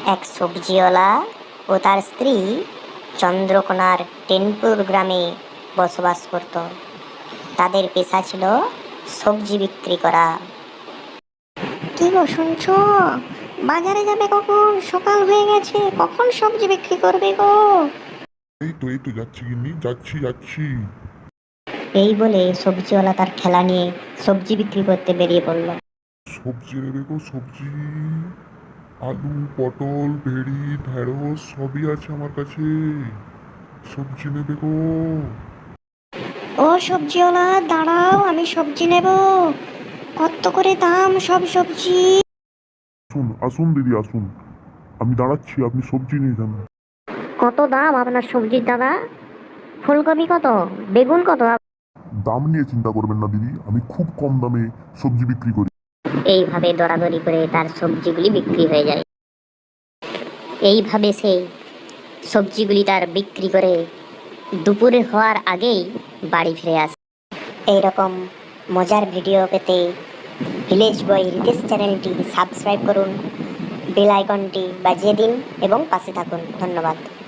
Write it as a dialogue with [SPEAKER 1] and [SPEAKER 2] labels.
[SPEAKER 1] এক সবজিওয়ালা ও তার স্ত্রী চন্দ্রকোনার টেনপুর গ্রামে বসবাস করত। তাদের পেশা ছিল সবজি বিক্রি করা। কি গো শুনছো? বাজারে যাবে কখন? সকাল হয়ে গেছে, কখন সবজি বিক্রি করবে গো?
[SPEAKER 2] এই তো যাচ্ছি গিন্নি, যাচ্ছি।
[SPEAKER 1] এই বলে সবজিওয়ালা তার ঠেলা নিয়ে সবজি বিক্রি করতে বেরিয়ে পড়ল।
[SPEAKER 2] সবজি নেবে গো, সবজি। আলু, পটল, ভেড়ি, ঢেঁড়স সবই আছে আমার কাছে। সবজি নেবে গো।
[SPEAKER 1] ও সবজিওয়ালা, দাঁড়াও, আমি সবজি নেব। কত করে দাম সব সবজি?
[SPEAKER 2] আসুন আসুন দিদি, আসুন। আমি দাঁড়াচ্ছি, আপনি সবজি নিয়ে যান।
[SPEAKER 1] কত দাম আপনার সবজির দাদা? ফুলকপি কত? বেগুন কত?
[SPEAKER 2] দাম নিয়ে চিন্তা করবেন না দিদি, আমি খুব কম দামে সবজি বিক্রি করি।
[SPEAKER 1] এইভাবে দরাদরি করে তার সবজিগুলি বিক্রি হয়ে যায়। এইভাবে সে সবজিগুলি তার বিক্রি করে দুপুরে হওয়ার আগেই বাড়ি ফিরে আসে। এইরকম মজার ভিডিও পেতে ভিলেজ বয় রিতেশ চ্যানেলটি সাবস্ক্রাইব করুন, বেল আইকনটি বাজিয়ে দিন এবং পাশে থাকুন। ধন্যবাদ।